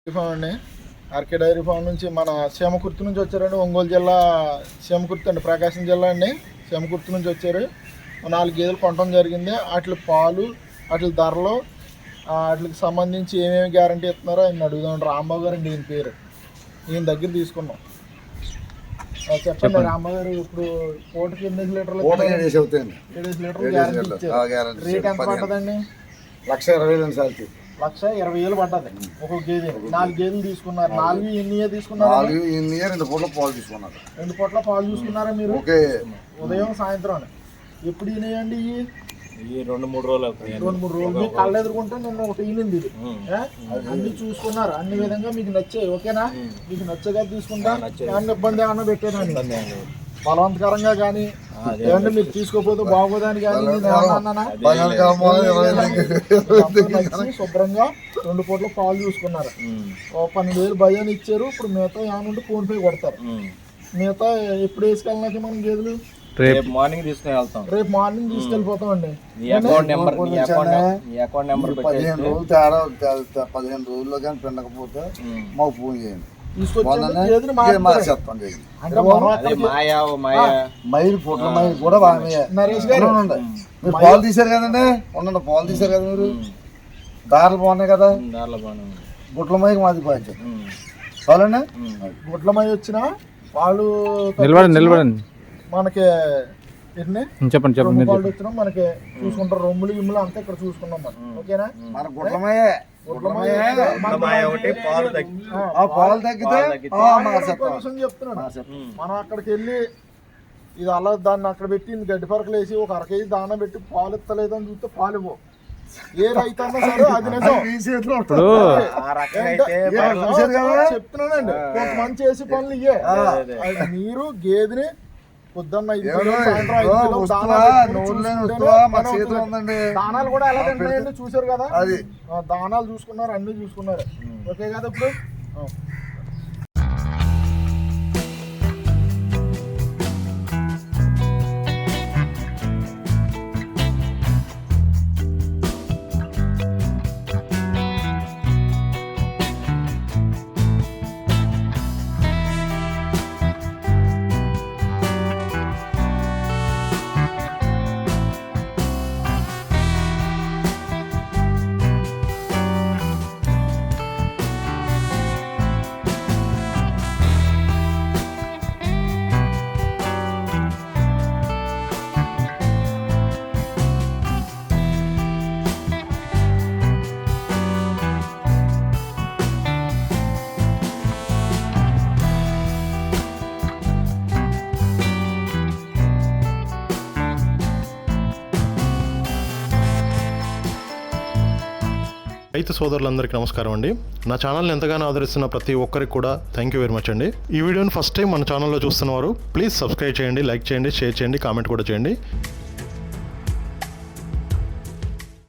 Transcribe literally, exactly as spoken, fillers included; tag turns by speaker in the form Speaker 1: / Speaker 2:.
Speaker 1: Form అండి. RK dairy farm నుంచి మన సీమకుర్తి నుంచి వచ్చారండి. ఒంగోలు జిల్లా సీమకుర్తి అండి, ప్రకాశం జిల్లా అండి. సీమకుర్తి నుంచి వచ్చారు. నాలుగు గేదెలు కొనడం జరిగింది. వాటి పాలు, వాటి ధరలు, వాటికి సంబంధించి ఏమేమి గ్యారంటీ ఇస్తున్నారో ఆయన అడుగుదాం. రాంబాబు గారు అండి ఈయన పేరు. ఈయన దగ్గర తీసుకున్నాం. చెప్పండి రాంబాబు గారు, ఇప్పుడు పూటకి ఎనిమిది లీటర్లు ఏడు లీటర్లు గ్యారంటీ ఇచ్చారు. రేట్ ఎంత పడుతుందండి?
Speaker 2: లక్ష ఇరవై వేలు సార్.
Speaker 1: లక్ష ఇరవై వేలు పడ్డది ఒక గేదె. నాలుగు గేదెలు తీసుకున్నారు. నాలుగు ఎన్ని తీసుకున్నారు?
Speaker 2: నాలుగు ఎన్ని రెండు పూట్ల పాలు తీసుకున్నారు.
Speaker 1: రెండు పూట్ల పాలు చూసుకున్నారా మీరు?
Speaker 2: ఓకే.
Speaker 1: ఉదయం సాయంత్రం ఎప్పుడు ఈనాయండి? ఇవి
Speaker 3: రెండు మూడు రోజులు
Speaker 1: రెండు మూడు రోజులు మీకు కళ్ళు ఎదుర్కొంటే నిన్న ఒకటి ఈనింది. ఇది అన్ని చూసుకున్నారు, అన్ని విధంగా మీకు నచ్చాయి. ఓకేనా? మీకు నచ్చగా తీసుకుంటా. ఏమన్నా ఇబ్బంది ఏమన్నా పెట్టేదాన్ని బలవంతకరంగా కానీ ఏమన్నా మీరు తీసుకోపోతే బాగోదని కానీ శుభ్రంగా రెండు పూట్ల పాలు చూసుకున్నారు. ఓ పన్నెండు వేలు భయాన్ని ఇచ్చారు. ఇప్పుడు మిగతా ఏమన్నా ఫోన్ పే కొడతారు. మిగతా ఎప్పుడు వేసుకెళ్ళినాక మనం గేదెలు
Speaker 3: రేపు మార్నింగ్ తీసుకుని వెళ్తాం.
Speaker 1: రేపు మార్నింగ్ తీసుకెళ్ళిపోతాం అండి.
Speaker 2: పదిహేను రోజులు తేడా, పదిహేను రోజుల్లో కానీ పిండకపోతే మాకు ఫోన్ చేయండి. మైలు ఫోటో మైలు కూడా
Speaker 1: నరేష్ గారు
Speaker 2: మీరు పాలు తీశారు కదండి. ఉండండి, పాలు తీశారు కదా మీరు. దారులు బాగున్నాయి కదా. గుట్ల మైకి మాది పాయించారు చాలండి.
Speaker 1: గుట్ల మై వచ్చిన వాళ్ళు
Speaker 4: నిలబడండి.
Speaker 1: మనకి
Speaker 4: చెప్పండి చెప్పండి
Speaker 1: వాళ్ళు వచ్చినా మనకి చూసుకుంటారు. రొమ్ములు గిమ్ములు అంతా ఇక్కడ చూసుకున్నాం మనం. ఓకేనా?
Speaker 2: మన గుట్లమయ్యే పాలు తగ్గితే
Speaker 1: చెప్తున్నాడు. మనం అక్కడికి వెళ్ళి ఇది అలా దాన్ని అక్కడ పెట్టి గడ్డి పరకలు వేసి ఒక అర కేజీ దాన పెట్టి పాలు ఇస్తలేదు అని చూస్తే పాలు ఇవ్వవు. ఏ రైతు అన్నా సరే అది నిజం చెప్తున్నానండి. కొంతమంది చేసి పనులు ఇయ్యే. మీరు గేదెని పొద్దున్న దానాలు కూడా ఎలా తింటాయండి చూసారు కదా.
Speaker 2: అది
Speaker 1: దానాలు చూసుకున్నారు, అన్ని చూసుకున్నారు. ఓకే కదా? ఇప్పుడు
Speaker 5: రైతు సోదరులందరికీ నమస్కారం అండి. నా ఛానల్ని ఎంతగానో ఆదరిస్తున్న ప్రతి ఒక్కరికి కూడా థ్యాంక్ యూ వెరీ మచ్ అండి. ఈ వీడియోని ఫస్ట్ టైం మన ఛానల్లో చూస్తున్నవారు ప్లీజ్ సబ్స్క్రైబ్ చేయండి, లైక్ చేయండి, షేర్ చేయండి, కామెంట్ కూడా చేయండి.